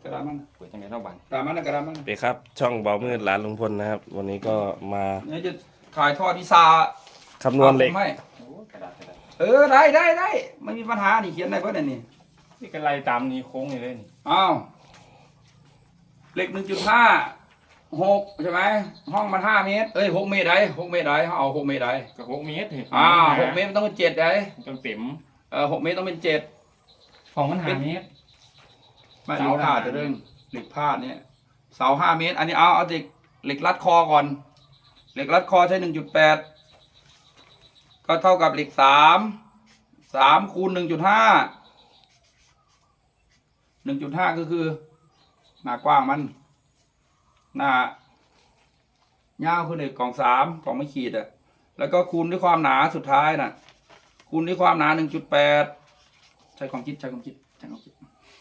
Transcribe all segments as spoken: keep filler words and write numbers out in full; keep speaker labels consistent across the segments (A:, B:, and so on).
A: กระดาษมัน
B: เปิดจังไงเท่าบัน
A: กระดาษมันกระดาษมัน
C: ไปครับช่องเบามืดร้านลุงพลนะครับ วันนี้ก็มา
A: เนี่ยจะขายทอดที่ซา
C: คำนวณเหล็ก
A: ไม่
B: โอ้กระดาษกระดาษ
A: เออได้ได้ได้ไม่มีปัญหานี่เขียนได้เพื่อนนี่
B: นี่กระไรตามนี้โค้งเลยนี่
A: อ้าวเหล็กหนึ่งจุดห้าหกใช่ไหมห้องมันห้าเมตรเอ้ยหกเมตรได้หกเมตรได้เอาหกเมตรได้
B: ก็หกเมตรเห็น
A: อ่าหกเมตรมันต้องเป็นเจ็ดได้
B: จนเต็ม
A: เออหกเมตรต้องเป็นเจ็ด
B: ของมันหาเมตร
A: ไม่เห
B: เสา
A: ล็กพาด
B: ห้า
A: จะเรื่องเหล็กพาดเนี่ยเสาห้าเมตร อันนี้เอาเอาเหล็กเหล็กรัดคอก่อนเหล็กรัดคอใช้หนึ่งจุดแปดก็เท่ากับเหล็กสามสามคูณหนึ่งจุดห้าหนึ่งจุดห้าก็คือหน้ากว้างมันหน้ายาวคือเหล็กกล่องสามกล่องไม่ขีดอะแล้วก็คูณด้วยความหนาสุดท้ายน่ะ คูณด้วยความหนาหนึ่งจุดแปดใช้ความคิดใช้ความคิดใช้ความคิด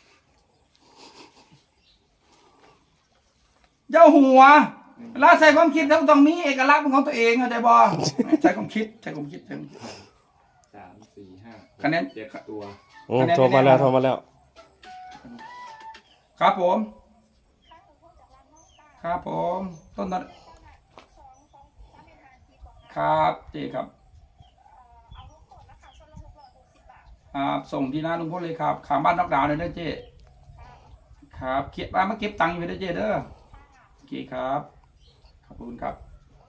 A: เจ้าหัวเวลาใส่ความคิดต้องต้องมีเอกลักษณ์เป็นของตัวเองเข้าใจบ่ใช้ความคิดใช้ความคิดใช้ความคิด
B: สามสี่ห้า
A: คะแนน
B: เจ็ดตัว
C: อืมโทรมาแล้วโทรมาแล้ว
A: ครับผม ครับผมต้นนั้นครับเจครับครับส่งที่หน้าลุงพลเลยครับขามบ้านนอกดาวน์เลยเด้อเจครับเก็บมามาเก็บตังค์อยู่เด้อเจเด้อโอเคครับขอบคุณครับ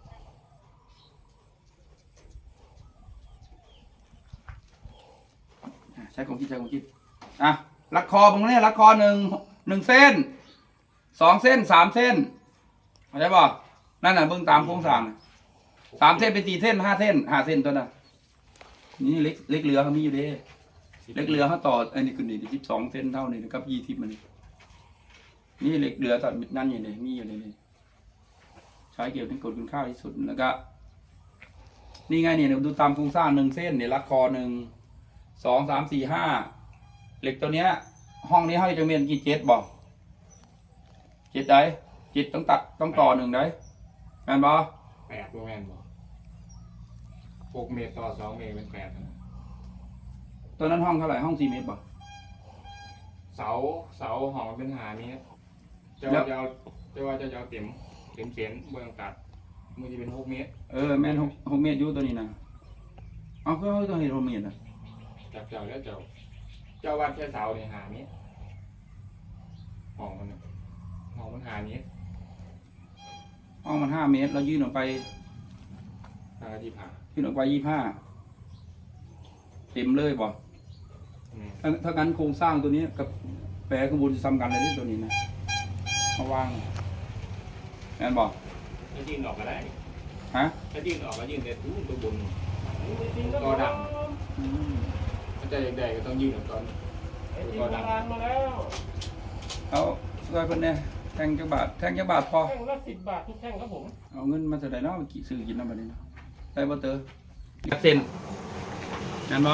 A: ใช้ความคิดใช้ความคิดอ่ะรัดคอผมเนี่ยรัดคอหนึ่งหนึ่งเส้นสองเส้นสามเส้นเข้าใจป่ะนั่นน่ะเบื้องตามโครงสร้างน่ะสามเส้นเป็นสี่เส้นห้าเส้นห้าเส้นตัวน่ะนี่เล็กเล็กเรือเขามีอยู่เด้เล็กเรือเขาต่ออันนี้คือนี่สิบสองเส้นเท่านี้นะครับยี่สิบมันนี่นี่เล็กเรือตัดนั่นอยู่เลยมีอยู่เลยนี่ใช้เกี่ยวกับกฎคุณค่าที่สุดแล้วก็นี่ไงเนี่ยดูตามโครงสร้างหนึ่งเส้นเนี่ยรัดคอหนึ่งสองสามสี่ห้าเหล็กตัวเนี้ย ห้องนี้ให้จะเมียนกี่เจ็ดบอกเจ็ดได้เจ็ดต้องตัดต้องต่อหนึ่งได้แม่นบอ
B: แปดโมแมนบอกหกเมตรต่อสองเมตรเป็นแปดนะ
A: ตัวนั้นห้องเท่าไหร่ห้องสี่เมตรบอก
B: เสาเสาหอมเป็นหาเมตรจะ
A: แล้
B: ว่าว จะเอาจะว่าจะเอาเต็มเต็มเขียนเบื้องตัดมือจะเป็นหกเมตร
A: เออแม่นหกหกเมตรอยู่ตัวนี้นะเอาก็ต้องเห็นหกเมตรนะ
B: จากเจ้าแล้วเจ้าเจ้าวัดแค่เสาเนี่ยหาเมตรห้องมันน่ะห้องมันหาเมตร
A: ห้องมันห้าเมตรเรายื่นออกไป
B: หาที่ผ่า
A: ยื่นออกไปยี่ห้าเต็มเลยบอก
B: อืม
A: ถ้าถ้างั้นโครงสร้างตัวนี้กับแปรข้างบนจะซ้ำกันเลยที่ตัวนี้นะมาวางแม่นบอก
B: ถ้ายื่นออกก็ได้
A: ฮะ
B: ถ้ายื่นออกก็ยื่นแต่ตู้ตัวบนตัวดำ
A: อืม
B: ถ้าจะใหญ่ๆก็ต้องยื่นออกตอนตัวดำ
D: มาแล้ว
A: เอาช่วยเพิ่นเนี่ยแทงจักบาทแทงจักบาทพอ
D: แท่งละสิบบาททุกแท่งครับผม
A: เอาเงินมาเท่าไหร่เนาะกี่ซื้อกินน้ำบัดนี้เนาะได้บ่เตอยักเส้นนั่นบ่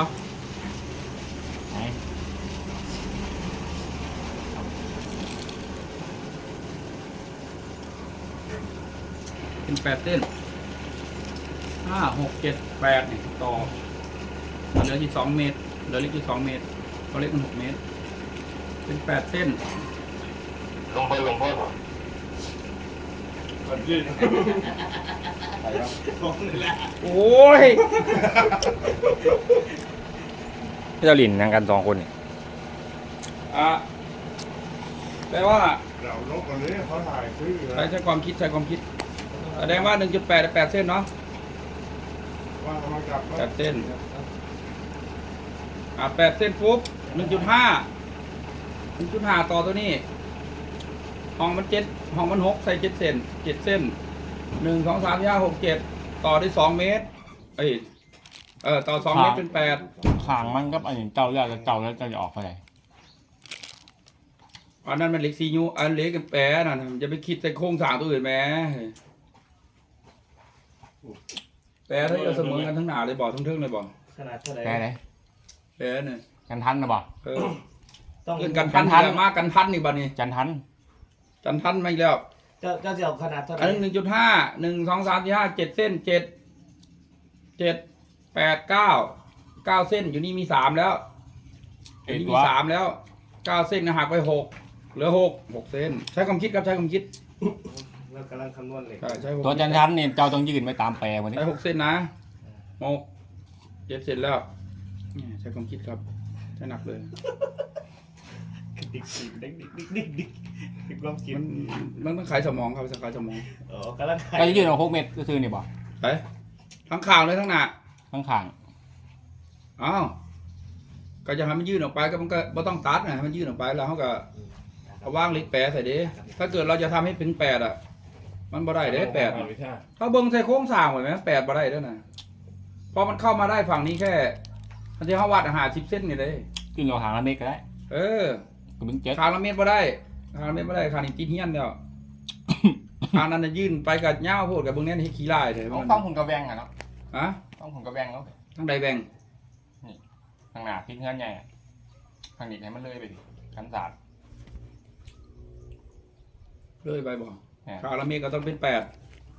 A: เป็นแปดเส้นห้าหกเจ็ดแปดนี่ต่อเหลือที่สองเมตรเหลือเล็กที่สองเมตรเขาเล็กมันหกเมตร เป็นแปดเส้น
E: ลงไปลงพ่อ
A: โอ้ย
B: พี่เจ้าหลินนั่งกันสองคนนี่
A: อ่ะแปลว่า
E: เราลงกันเลยเขาถ่ายซื้อ
A: ใช้ใช้ความคิดใช้ความคิดแสดงว่า หนึ่งจุดแปด แปดเส้นเนาะ
E: ว่ากำลังกลับ
A: แปดเส้นอ่ะแปดเส้นปุ๊บ หนึ่งจุดห้า หนึ่งจุดห้า ต่อตัวนี้ ห้องมันเจ็ดห้องมันหกใส่เจ็ดเส้นเจ็ดเส้นหนึ่งสองสามสี่ห้าหกเจ็ดต่อได้สองเมตรเอ้ยเออต่อสองเมตรเป็นแปด
B: ขางมันก็อันนี้เจ้าแล้วเจ้าแล้วจะออกไปไหน
A: อันนั้นมันเหล็กซียูอันเล็กกับแปรน่ะมันจะไปคิดแต่โครงสร้างตัวอื่นแหมแปรถ้าจะเสมอกันทั้งหนาเลยบอกทั้งเทิงเลยบอก
D: ขนาดเท่าไหร่
B: ได้ไหน
A: แปรเนี่ย
B: กันทันนะบ่
A: เออ
D: ต้อง
A: เรื่องกันทันนี่แหละมากกันทันนี่บัดนี้
B: จันทัน
A: กันทันมาอีกแล้ว
D: จะจะจะเอาขนาดเท่าไห
A: อัน
D: ร่
A: นี้หนึ่งจุดห้าหนึ่งสองสามสี่ห้าเจ็ดเส้นเจ็ดเจ็ดแปดเก้าเก้าเส้นอยู่นี่มีสามแล้วอยู่นี่มีสามแล้วเก้าเส้นหักไปหกเหลือหกหกเส้นใช้ความคิดครับใช้ความคิด
D: เรากำลังคำนวณเหล็ก
A: ใช่ใช้หก
B: ตัวจันทันเนี่ยเจ้าต้องยืนไปตามแปรวันนี้
A: ใช้หกเส้นนะหกเจ็ดเสร็จแล้วนี่ใช้ความคิดครับใช้หนักเลย
D: ดิกดิกดิกดิกดิกดิกดิกความคิด
A: มันมันต้องขายสมองครับขายสมอง
D: อ๋อกำลัง
B: ก็จะยืนเอาหกเมตรก็คือนี่บ่
A: ไปทั้งข่าวเลยทั้งหน้า
B: ข้างข้าง
A: อ้าวก็จะให้มันยื่นออกไปก็มันก็ไม่ต้องตัดนะให้มันยื่นออกไปแล้วเขาก็เอาว่างเล็กแปดใส่เด้ถ้าเกิดเราจะทำให้ถึงแปดอ่ะ มันบ่ได้เด้แปดถ้าเบิ้งใส่โค้งสร้างไว้ไหมแปดบ่ได้เด้อนะพอมันเข้ามาได้ฝั่งนี้แค่มันจะเขาวัดอาหารสิบเส้นนี่เลย
B: ขึ้นเราหางละเมตรก็ได้
A: เออ
B: ก็มึงเจ็ด
A: คางละเม็ดบ่ได้คางละเม็ดบ่ได้คางนี่ติดเฮี้ยนแล้วคางนั้นน่ะยื่นไปกับเหย้าโพดกับเบิ้งแน่นให้ขี้ลายเลย
B: ต้อง
A: มัน
B: ต้องหุ่นกระแวงอ่ะเนาะ
A: ฮะ
B: ต้องหุ่นกระแวงแล้ว
A: ทั้งใดแบ่ง
B: ข้างหน้าทิ้งเงื่อนใหญ่ข้างนี้ให้มันเลยไปดิขันศาสตร์
A: เลยไปบ่
B: เนี่ย
A: คางละเม็ดก็ต้องเป็นแปด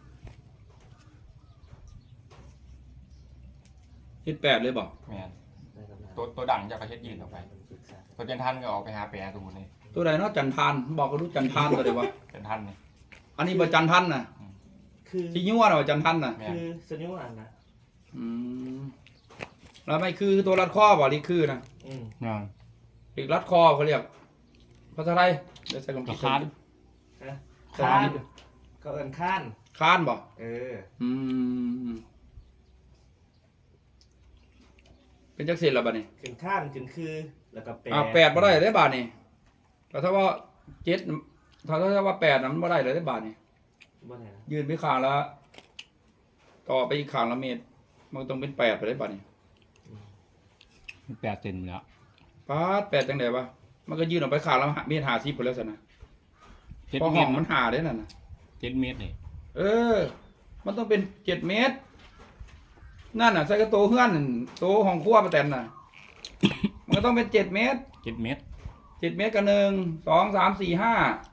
A: เฮ็ดแปดเลยบ่
B: แม่นตัวตัวดังจะกระเช็ดยืนออกไปตัวจันทันก็ออกไปหาแปรสมมุตินี่
A: ตัวใดเนาะจันทานบอกก็รู้จันทานตัวใดวะ
B: จันทันนี่
A: อันนี้บ่จันทันน่ะ
D: คือ
A: สิยั่วน่ะบ่จันทันน่ะ
B: แม่น
D: คือสนิวอันนะ
A: อืมแล้วไม่คือตัวรัดคอบ่หรือคือนะ
D: อืม
B: งาน
A: อีกรัดคอเขาเรียกภาษาไทยเดี๋ยวใส่คำ
B: ก
A: คิ
B: ระ
A: ด
B: คาน
D: นะ
A: ใส่
D: ข้า
A: คำ
D: น
A: คิด
D: เขาเอินข้าน
A: คานบ่
D: เออ
A: อืมเป็นจักเสร็จแล้วบัดนี้
D: ขึ้นข้านขึ้นคือแล้วก็แปด
A: อ่าแปดบ่ได้ได้บาทนี่แต่ถ้าว่าเจ็ดถ้าถ้าว่าแปดน่ะมันบ่ได้เลยได้บาทนี่
D: บ่ไหนนะ
A: ยืนไปข้างละต่อไปอีกข้างละเมตร มันต้องเป็นแปดไปได้บาทนี่
B: แปดเซนแล้ว
A: ปาดแปดจังไดวะมันก็ยืนออกไปข้างละเมตรห้าสิบไปแล้วสินะ
B: เจ็ด
A: พอ
B: เม
A: ห้อ
B: ต
A: ง
B: ร
A: มันหาได้นั่นน่ะ
B: เจ็ดเมตรนี่
A: เออ มันต้องเป็นเจ็ดเมตร นั่นน่ะใส่กระโตเฮือนนั่นโตห้องครัวประแตนน่ะ มันก็ต้องเป็นเจ็ดเมตร
B: เจ็ดเมตร
A: เจ็ดเมตรกับหนึ่ง สอง สาม สี่ ห้า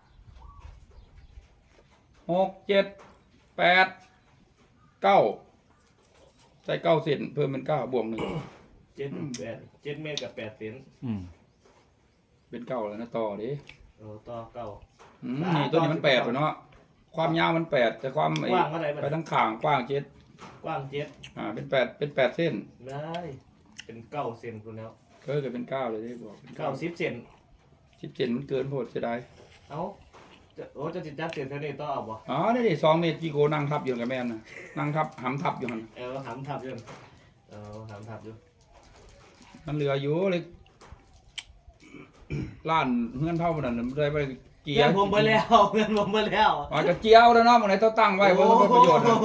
A: หก เจ็ด แปด เก้า ใส่เก้าเซนเพิ่มเป็นเก้าบวกหนึ่ง
D: เจ็ดแปดเจ็ดเมตรกับแปดเซน
B: อืม
A: เป็นเก้าแล้วนะต่อดิ
D: โอ้ต่อเก้า
A: อืมนี่ตัวนี้มันแปดเนาะ ความยาวมันแปดแต่ความไอ้
D: กว้างเท่าไหร่บัด
A: ไปทั้งข่างกว้างเจ็ด
D: กว้างเจ็ด
A: อ่า เป็นแปดเป็นแปดเส้น
D: ได้เป็นเก้าเซนคุณแล้ว
A: ก็เกิดเป็นเก้าเลยได้บอกเป็น
D: เก้าสิบเซน
A: สิบเจ็ดมันเกินโพดเสียดาย
D: เอ้าจะโอ้จะจิตจัดเซนเท่านี้ต่อเอาบ่
A: อ๋อนี่ดิสองเมตรจีโกนั่งทับอยู่กับแม่นนะนั่งทับหำทับอยู่หัน
D: เออหำทับอยู่เออหำทับอยู่
A: มันเหลืออยู่เลยล้านเงื่อนเท่ามันนั่นมันได้ไปเกี่ย
D: เงิ
A: วน
D: ผมไปแล้ว เงินผมไปแล้ว
A: อาจจะเจียวแล้วเนาะมันไหนต้องตั้งไว้เพราะมันเป็นประโยชน์นะ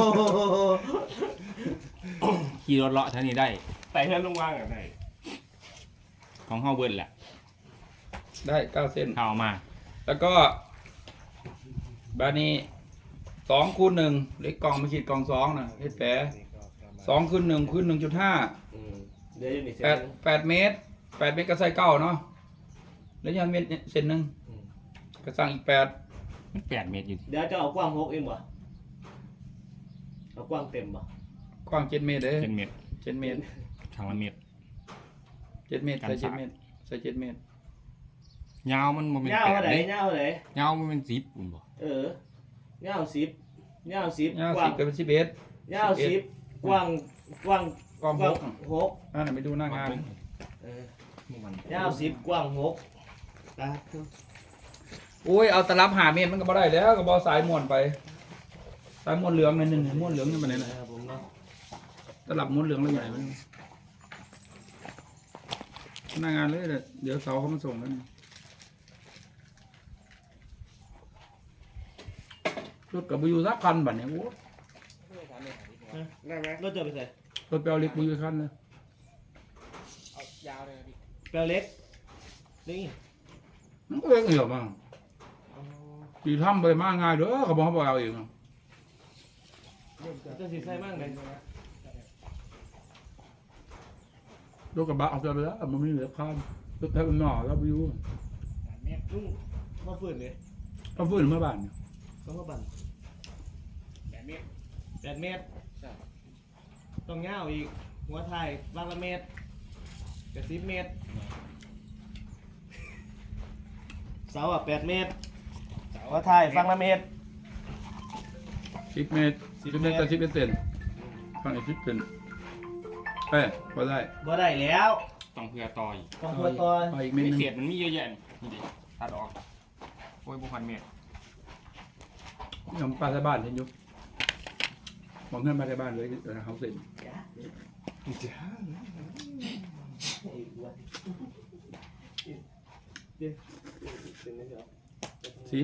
B: ขี่รถเลาะเท่านี้ได้
D: ไปเงินลงวางกันไหน
B: ของเฮาเบิร์ดแหละ
A: ได้เก้าเส้น
B: เข้ามา
A: แล้วก็บานี้สองคูณหนึ่งเล็กกล่องไม่ขีดกล่องสองนะเล็กแปะสองคูณหนึ่งคูณหนึ่งจุดห้า
D: อืมเดี๋ยวอยู่นี่เซ
A: แปด
D: น
A: แปดเมตรแปดเมตรก็ใส่เก้าเนาะแล้วยันเมตรเส้นหนึ่ง
D: อืม
A: ก็สั่งอีกแปด
B: มันแปดเมตรอยู่
D: เดี๋ยวจะเอากว้างหกเองบ่เอากว้างเต็มบ่
A: กว้างเจ็ดเมตรเลย
B: เจ็ดเมตร
A: เจ็ดเมตร
B: ทางละเมตร
A: เจ็ดเมตร
B: กัน
A: ใส่เจ็ด
B: สาม
A: เมตรใส่เจ็ดเมตร
B: ยาวมันบ่เป็น
D: เงา
B: แปด
D: เท่าไหร่
B: เลย
D: เงาเท่าไหร่
B: ยาวมันเป็นสิบอุ่นบ่
D: เออเงาสิบเงาสิบ
A: ยาว
D: กว้า
A: สิ
D: ง
A: บก็เป็นสิบเอ็ด
D: เงาสิบกว้างกว้าง
A: กว้าง
D: ก
A: ห
D: ว้าง
A: กอ่ะ
D: หก
A: นั่นนะไปดูหน้างาน
D: เออ
B: มัน
D: เงาสิบกว้างหกตา
A: โอ้ยเอาตลับหาเมตรมันก็บ่ได้แล้วก็บ่สายม้วนไป สายม้วนเหลืองนั่นนึงม้วนเหลืองนี่มันไหนล่ะ
D: ครับผมเนาะ
A: ตลับม้วนเหลืองแล้วใหญ่มันหน้างานเลยเดี๋ยวเดี๋ยวเสาเขามาส่งแล้วนี่รถกับบุยูสักคันบัดเนี่ยโอ้
D: ได้ไหมรถจะไปใส่
A: รถเปลวเล็กบุยูคันเลย
D: แปลวเล็กนี่
A: มันก็เล็กเหนียวมากตีทำไปมากง่ายเด้อเขาบอกเขาบอกเอาเองอะ
D: จะสีใส่มากเลย
A: รถกระบะเอาไปแล้วมันไม่เหลือคันรถแท็กมันหน่อแล้วบุยู
D: ลุงมาฝืนเลย
A: ต้องฟื้นเมื่อบ้านเนี่ย
D: ต้องมาบันแปดเมตรแปดเมตรต้องเงาอีกหัวไทยบางละเมตรกับสิบเมตรเสาอ่ะแปดเมตรหัวท้ายฟังละเมตร
A: สิบเมตรสิบเมตรต่อสิบเซนฟังอีกสิบเซนเอ้ยพอได้
D: บ่ได้แล้ว
B: ต้องเพื่อต่อย
D: ต้องตัวตัว
A: เอาอีกเมตร
B: ไม่
A: หนึง
B: เศษมันมีเยอะแยะนี่ดิตัดออกโอ้ยบุพันเมตร
A: ยำปลาใส่บ้านเห็นอยุมองเพื่อนปลาใส่บ้านเลยเออเขาเสร็จ
E: จ้า
A: สิบ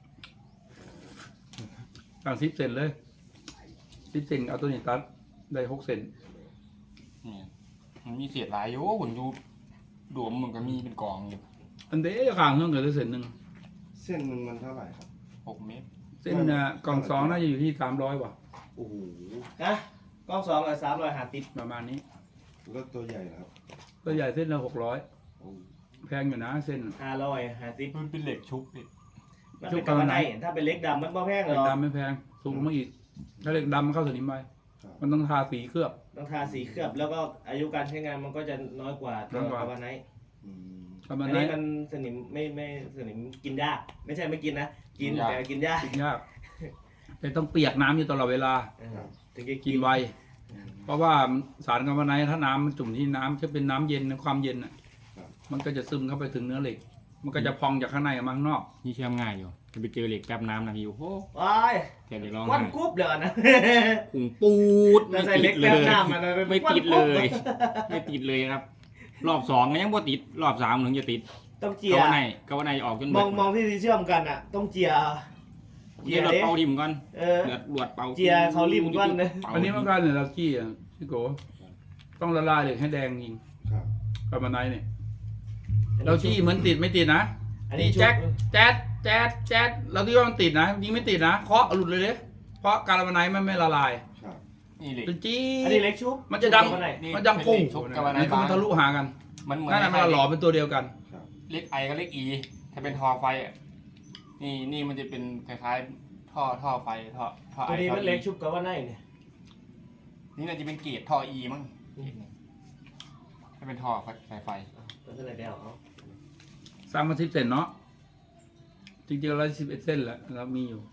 A: ตั้งสิบเซนเลยสิบเซนเอาตัวนี้ตัดได้หกเซน
B: นี่มันมีเศษหลายอยู่หุ่นอยู่ดวมมันก็มีเป็นกองอยู่
A: อันเดียวข้างเครื่องเกิดได้เซนหนึ่ง
E: เส้นหนึ่งมันเท่าไหร่ครับ
B: หกเมตร
A: เส้นน่ะกล่องสองน่าจะอยู่ที่สามร้อยว่ะ
E: โอ้โห
D: ฮะกล้องสองอ่ะสามร้อยห้าสิบ
A: ประมาณนี้
E: แล้วตัวใหญ่นะครับ
A: ตัวใหญ่เส้นละหกร้อย
E: โอ้
A: แพงอยู่นะเส้น
D: ห้าร้อยห้าสิบ
B: มันเป็นเหล็กชุบดิ
D: มันเป็นกำมะไนถ้าเป็นเล็กดำมันบ่แพงหร
A: เหล็ก
D: อก
A: ดำไม่แพงสูงลงมาอีกถ้าเหล็กดำมันเข้าสนิมไปมันต้องทาสีเคลือบ
D: ต้องทาสีเคลือบแล้วก็อายุการใช้งานมันก็จะน้อยกว่าตัว
A: น้อยกว่า
D: กำมะไน
E: อืม
A: ประมาณ
D: อัน
A: นั้
D: นี้
A: น
D: มันสนิมไม่ไม่สนิมกินยากไม่ใช่ไม่กินนะกินแต่กินยาก
A: กินยากแต่ต้องเปียกน้ำอยู่ตลอดเวลา
D: เออถึงจะ
A: กินไว เพราะว่าสารกัมมันไนท์ถ้าน้ำมันจุ่มที่น้ำจะเป็นน้ำเย็นความเย็นอ่ะมันก็จะซึมเข้าไปถึงเนื้อเหล็ก มันก็จะพองจากข้างในออกมาข้างนอก
B: นี่เชื่อมง่ายอยู่จะไปเจอเหล็กแป๊บน้ำนะพี่โอ้โห
D: ว้าย
B: แกเดี๋ยวลอง
D: วัน
B: ให้
D: กรุ๊บเลยนะ
B: ผงปูด
D: แต่
B: ไม่
D: ใส่
B: ติ
D: เล็
B: ด
D: ก
B: เล
D: แป๊บ
B: ย
D: น้ำมันนะ
B: ไม่ติด
D: วัน
B: เล
D: กรุ๊บ
B: ย ไม่ติดเลยครับ รอบสองก็ยังบ่ติด รอบสามถึงจะติด
D: ต้องเจี
B: ก
D: ย
B: วันไหนกวันไหนออกจน
D: มองมองที่ที่เชื่อมกันอ่ะ ต้องเจีย
B: เจียรถเป่าดิมก่อน
D: เออ
B: เดือดรวดเป่า
D: เจียเขาริมก่อนนะ
B: ป่า
A: อันนี้มันก็เนี่ยเราขี้อ่ะพี่โกต้องละลายเหล็กให้แดงจริง
E: ครับ
A: กัมมันไนท์เนี่ยเราขี้เหมือนติดไม่ติดนะ
D: อัน
A: นี่
D: นี้
A: แจ็คแจ๊ดแจ๊ดแจ๊ดเราที่ว่ามันติดนะยิงไม่ติดนะเคาะหลุดเลยเด้เพราะการกัมมันไนท์มันไม่ละลาย
E: ครับ
B: นี่เหล็ก
A: เป็นจี้
D: อันนี้เล็กชุบ
A: มันจะดัง
D: ชุบเข้าไปไหน
B: นี่
A: มันดังพุ่ง
B: เป็นเหล็กชุบกัมมันไนท์
A: นี่คือมันทะลุหากัน
B: มันเหมือน
A: นั่นน่ะมันหล่อเป็นตัวเดียวกัน
E: ครับ
B: เล็กไอกับเล็กอีถ้าเป็นท่อไฟอ่ะนี่นี่มันจะเป็นคล้ายๆท่อท่อไฟท่อท่อไอ
D: ตัวนี้
B: ท่อ
D: มันเล็ก
B: อี
D: ชุบกับว่าไหนเนี่ย
B: นี่น่าจะเป็นเกรดท่ออีมั้งถ้าเป็นท่อสายไฟ
D: ตัวเท่าไหร่แล้วเอา
A: สร้างมาสิบเซนเนาะจริงๆเราสิบเอ็ดเส้นแหละเรามีอยู่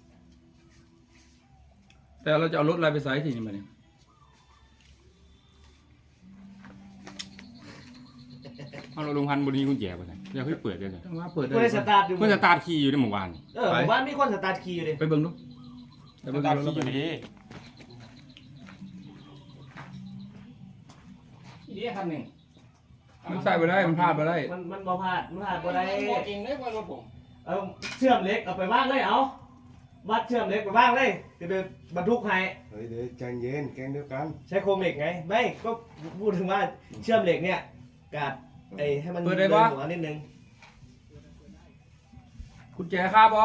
A: แต่เราจะเอารถอะไรไปใส่ทีนี้มาเนี่ย
B: เอาเราลงพันบนนี้กุญแจไปเลยอยากให้เปิดเลยเลย
A: ต้องว่าเปิดได้
D: เพื่อสตาร์ทอยู่
B: เพื่อนสตาร์ทคีย์อยู่ในหมู่บ้านนี่
D: เออผมว่ามีคนสตาร์ทคีย์อยู่ดิ
A: ไปเบิ่งดูไป
B: ส
A: เบิ่ง
B: ตาร์ท
A: ดู
B: คี
A: แล้ว
B: ย์อ
A: ไป
B: ยู่ดีนี่คันหนึ่ง
A: มันใส่ไปได้มันพลาดไปได้
D: มันมันบ่พลาดมันพลาดบ่ได้
B: บอกเองเลยว่ารถผม
D: เอาเชื่อมเหล็กเอาไปว่างเลยเอาวัดเชื่อมเหล็กไปว่างเลยจะไปบรรทุกให้
E: เฮ้ยเดี๋ยวใจเย็นแกงเดียวกัน
D: ใช้โครงเหล็กไงไม่ก็พูดถึงว่าเชื่อมเหล็กเนี่ยกาดไอ้ให้มันเลยหัวนิดนึง
A: คุณแจคาบอ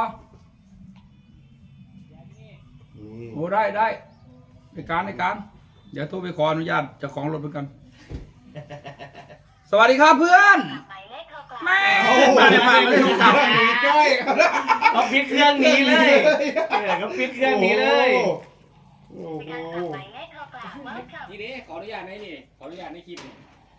E: นี่
A: โอ้ได้ได้ในการในการ เดี๋ยวโทรไปขออนุญาตเจ้าของรถเหมือนกัน สวัสดีครับเพื่อนแม่มาเนี่ยมาเลยกลับ
E: ใกล้
D: เขาปิดเครื่องหนี้เลยเออเขาปิดเครื่องหนี้เลย
E: โอ้โห
B: นี่ดิขออนุญาตในนี่ขออนุญาตในคลิปนี่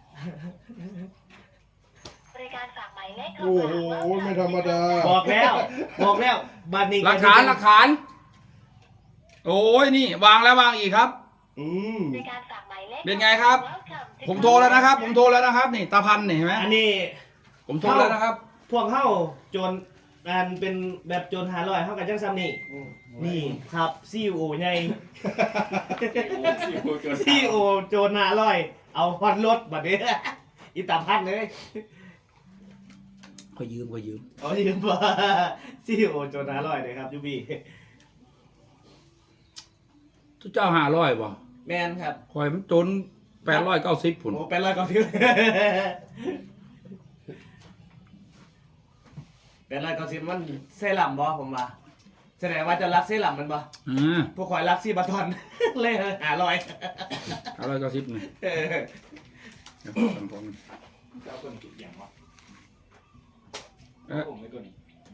F: บริการฝากหมายเลข
E: โอ้โหไม่ธรรมดา
D: บอกแล้วบอกแล้วบัตรนี้
A: หลักฐานหลักฐาน โอ้ยนี่วางแล้ววางอีกครับ
E: อืม
F: บริการฝากหมายเลข
A: เป็นไงครับ ผมโทรแล้วนะครับ ผมโทรแล้วนะครับ นี่ตาพันนี่เห็นไหม
D: อันนี้
A: ผมโทรแล้วนะครับ
D: พวกเข้าโจรอันเป็นแบบโจรหาลอยเข้ากับจังซัมนี่นี่ครับซีโอใหญ่ซีโอโจรหาลอย เอาฮอตรถบัดนี้อีตาพัดเลย
A: ขอยืมขอยืม
D: เอาที่ว่าซีโอโจรหาลอยเลยครับยูบี
A: ทุกเจ้าหาร้อยป่ะ
D: แมนครับ
A: คอยมันจนแปดร้อยเก้าสิบผุน
D: โอ้เป็นร้อยเก้าสิบเป็นร้อยเก้าสิบมันเซรั่มบ่ผมว่าแสดงว่าจะรักเซรั่มมันบ่
A: อ่า
D: พวกคอยรักซีบาทอน เลยหาลอย
A: ห้าร้อยเก้าสิบนี่
D: เออ
A: เดี๋ยวสั่งของ
B: เจ้าคนติดอย่างวะ
A: เอ๊ะ
B: ผมไม่ตัวนี้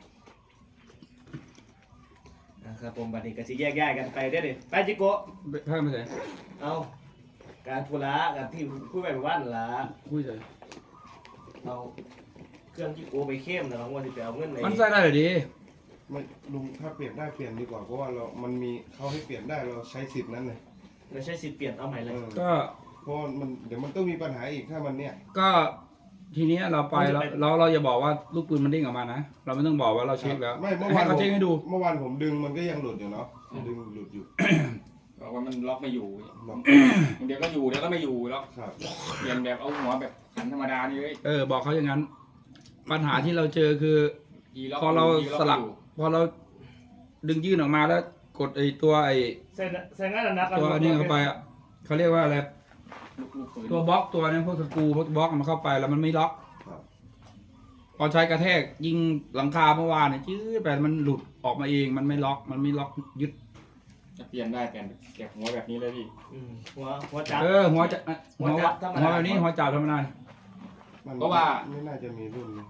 D: นะครับผมบัดนี้ก็สิแยกย้ายกันไปเด้อดิไปจิโกะ
A: เพิ่มไปไหน
D: เอาการธุระกันที่คุยไปเมื่อวานนั่นล่ะ
A: คุยเลย
D: เอาเครื่องที่โอไปเข้มนะครับว่าจะไปเอาเงินไหน
A: มันใส่ได้เลยดี
E: ไม่ลุงถ้าเปลี่ยนได้เปลี่ยนดีกว่าเพราะว่าเรามันมีเขาให้เปลี่ยนได้เราใช้สิทธิ์นั้นเลย
D: ไม่ใช่สิทธิ์เปลี่ยนเอาใหม่เลย
E: เออ
A: ก็
E: เพราะมันเดี๋ยวมันต้องมีปัญหาอีกถ้ามันเนี่ย
A: ก็ทีเนี้ยเราไปเราเราเราอย่าบอกว่าลูกปืนมันเด้งออกมานะเราไม่ต้องบอกว่าเราเช็คแล้ว
E: ไม่เมื่อ
A: ให้
E: วาน
A: เขาเช็คให้ดู
E: เมื่อวานผมดึงมันก็ยังหลุดอยู่เนาะดึงหลุดอยู่
B: บอกว่ามันล็อกไม่อยู่
E: บอก
B: เดี๋ยวก็อยู่เดี๋ยวก็ไม่อยู่แล้ว
E: ครับ
B: เปลี่ยนแบบเอาหัวแบบขันธรรมดานี่เลย
A: เออบอกเขาอย่างนั้น ปัญหาที่เราเจอคือ
B: ยีล็อก
A: พอเรา
B: ยีอก
A: สลัก
B: ไม่อยู่
A: พอเราดึงยื่นออกมาแล้วกดไอ้ตัวไอ้
D: ใส่ใส่งานนัก
A: ตัวนี้เข้าไปอ่ะเขาเรียกว่าอะไร
B: ลูกลูกปืน
A: ตัวบล็อกตัวนี้พวกสกรูพวกบล็อกมันเข้าไปแล้วมันไม่ล็อก
E: ครับ
A: พอใช้กระแทกยิงหลังคาเมื่อวานเนี่ยจื้อไปมันหลุดออกมาเองมันไม่ล็อกมันไม่ล็อกยึด
B: จะเปลี่ยนได้เปลี่ยนแกะหัวแบบนี้เลยพี่
D: หัวหัวจับ
A: เออหัวจะหัว
D: หัวจับธรรมดา
A: หัวแบบนี้หัวจับธรรมดา
E: มัน
B: เพราะว่า
E: ไม่น่าจะมีรุ่นนี้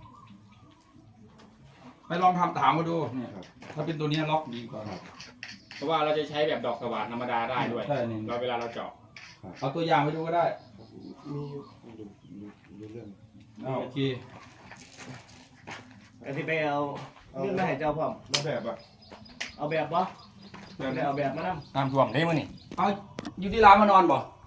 A: ไปลองทำถามมาดูเนี่ย
E: ครับ
A: ถ้าเป็นตัวนี้ล็อกดีกว่า
E: ครับ
B: เพราะว่าเราจะใช้แบบดอกสว่านธรรมดาได้ด้วย
A: ใช่นี่
B: เราเวลาเราเจาะ
A: เอาตัวอย่างไปดูก็ได้
E: มีอยู่ดูดูดูเรื่อง
A: เอาโอเค
D: อันที่ไปเอาเงินมาให้เจ้าพ่อม
E: แล้วแบบอ่ะ
D: เอาแบบวะได้เอาแบบมานั่ง
B: ตามทวงได้มั้ยนี่
A: เอาอยู่ที่ร้านมานอนบ่